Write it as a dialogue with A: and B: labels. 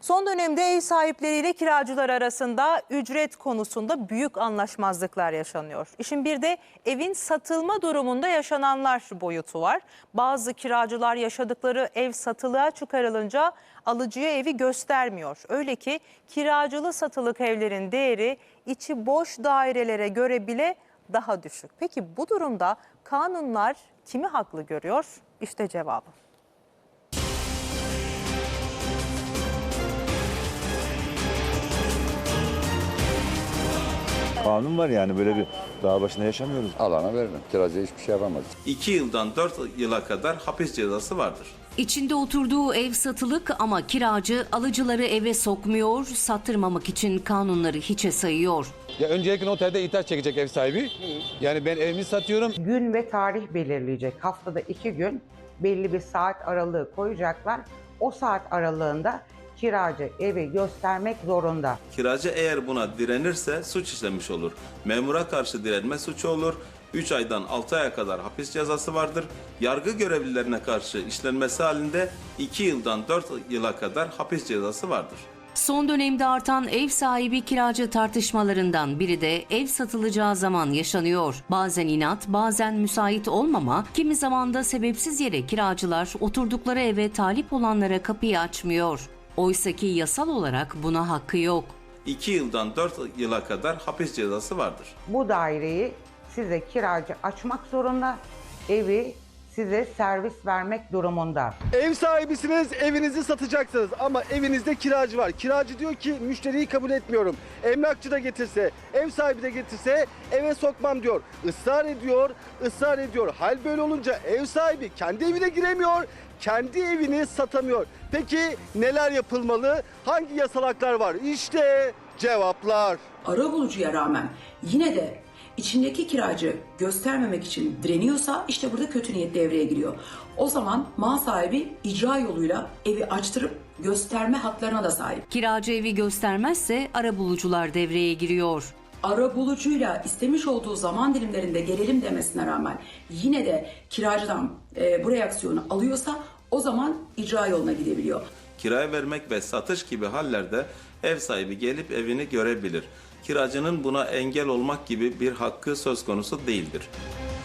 A: Son dönemde ev sahipleriyle kiracılar arasında ücret konusunda büyük anlaşmazlıklar yaşanıyor. İşin bir de evin satılma durumunda yaşananlar boyutu var. Bazı kiracılar yaşadıkları ev satılığa çıkarılınca alıcıya evi göstermiyor. Öyle ki kiracılı satılık evlerin değeri içi boş dairelere göre bile daha düşük. Peki bu durumda kanunlar kimi haklı görüyor? İşte cevabı.
B: Kanun var yani, böyle bir dağ başında yaşamıyoruz.
C: Alana veririm. Kiracıya hiçbir şey yapamaz.
D: 2 yıldan 4 yıla kadar hapis cezası vardır.
E: İçinde oturduğu ev satılık ama kiracı alıcıları eve sokmuyor, sattırmamak için kanunları hiçe sayıyor.
F: Ya öncelikle noterde itaat çekecek ev sahibi. Yani ben evimi satıyorum.
G: Gün ve tarih belirleyecek. Haftada 2 gün belli bir saat aralığı koyacaklar. O saat aralığında kiracı evi göstermek zorunda.
D: Kiracı eğer buna direnirse suç işlemiş olur. Memura karşı direnme suçu olur. 3 aydan 6 aya kadar hapis cezası vardır. Yargı görevlilerine karşı işlenmesi halinde 2 yıldan 4 yıla kadar hapis cezası vardır.
E: Son dönemde artan ev sahibi kiracı tartışmalarından biri de ev satılacağı zaman yaşanıyor. Bazen inat, bazen müsait olmama, kimi zaman da sebepsiz yere kiracılar oturdukları eve talip olanlara kapıyı açmıyor. Oysaki yasal olarak buna hakkı yok.
D: 2 yıldan 4 yıla kadar hapis cezası vardır.
G: Bu daireyi size kiracı açmak zorunda, evi size servis vermek durumunda.
H: Ev sahibisiniz, evinizi satacaksınız ama evinizde kiracı var. Kiracı diyor ki müşteriyi kabul etmiyorum. Emlakçı da getirse, ev sahibi de getirse eve sokmam diyor. Israr ediyor, ısrar ediyor. Hal böyle olunca ev sahibi kendi evine giremiyor, kendi evini satamıyor. Peki neler yapılmalı? Hangi yasal haklar var? İşte cevaplar.
I: Arabulucuya rağmen yine de içindeki kiracı göstermemek için direniyorsa işte burada kötü niyet devreye giriyor. O zaman mal sahibi icra yoluyla evi açtırıp gösterme haklarına da sahip.
E: Kiracı evi göstermezse arabulucular devreye giriyor.
I: Arabulucuyla istemiş olduğu zaman dilimlerinde gelelim demesine rağmen yine de kiracıdan bu reaksiyonu alıyorsa o zaman icra yoluna gidebiliyor.
D: Kiraya vermek ve satış gibi hallerde ev sahibi gelip evini görebilir. Kiracının buna engel olmak gibi bir hakkı söz konusu değildir.